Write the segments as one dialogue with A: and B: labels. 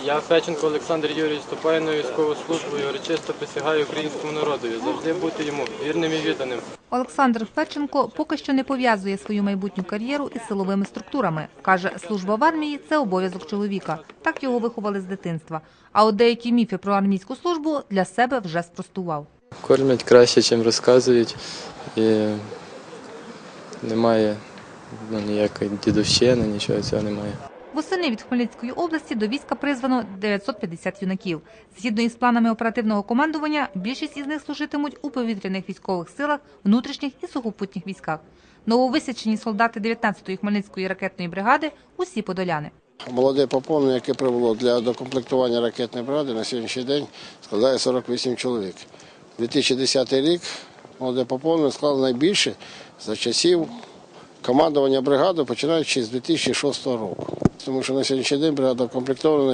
A: Я, Феченко Олександр Юрійович, вступаю на військову службу і урочисто присягаю українському народові завжди бути йому вірним і відданим.
B: Олександр Феченко поки що не пов'язує свою майбутню кар'єру із силовими структурами. Каже, служба в армії – це обов'язок чоловіка. Так його виховали з дитинства. А от деякі міфи про армійську службу для себе вже спростував.
C: Кормять краще, ніж розказують. І немає ніякої дідовщини, нічого цього немає.
B: Восени від Хмельницької області до війська призвано 950 юнаків. Згідно із планами оперативного командування, більшість із них служитимуть у повітряних військових силах, внутрішніх і сухопутніх військах. Нововисячені солдати 19-ї Хмельницької ракетної бригади – усі подоляни.
D: Молоде поповнення, яке прибуло для докомплектування ракетної бригади, на сьогоднішній день складає 48 чоловік. 2010 рік молоде поповнення склало найбільше за часів командування бригади, починаючи з 2006 року. Тому що на сьогоднішній день бригада укомплектована на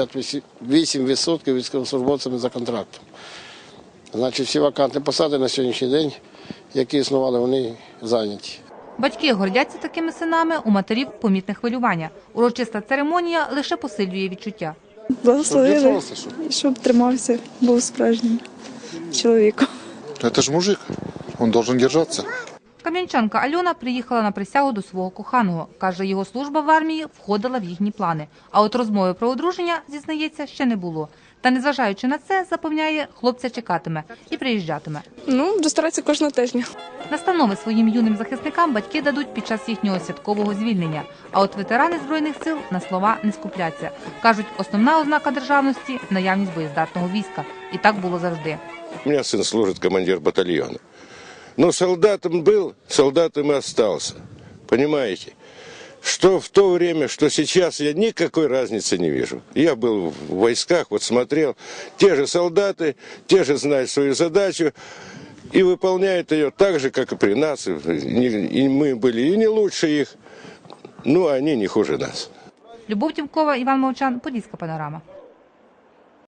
D: 78% військовослужбовцями за контрактом. Значить, всі вакантні посади на сьогоднішній день, які існували, вони зайняті.
B: Батьки гордяться такими синами, у матерів помітне хвилювання. Урочиста церемонія лише посилює відчуття.
E: Благословили, щоб тримався, був справжнім чоловіком.
F: Це ж мужик, він має держатися.
B: Кам'янчанка Альона приїхала на присягу до свого коханого. Каже, його служба в армії входила в їхні плани. А от розмови про одруження, зізнається, ще не було. Та незважаючи на це, запевняє, хлопця чекатиме і приїжджатиме.
E: Буду старатися кожного тижня.
B: Настанови своїм юним захисникам батьки дадуть під час їхнього святкового звільнення. А от ветерани Збройних сил на слова не скупляться. Кажуть, основна ознака державності – наявність боєздатного війська. І так було завжди.
G: У меня сын служит командир батальона. Но солдатом был, солдатом и остался. Понимаете? Что в то время, что сейчас, я никакой разницы не вижу. Я был в войсках, вот смотрел, те же солдаты, те же знают свою задачу и выполняют ее так же, как и при нас. И мы были и не лучше их, но они не хуже нас.
B: Любов Тімкова, Іван Мовчан, Подільська панорама.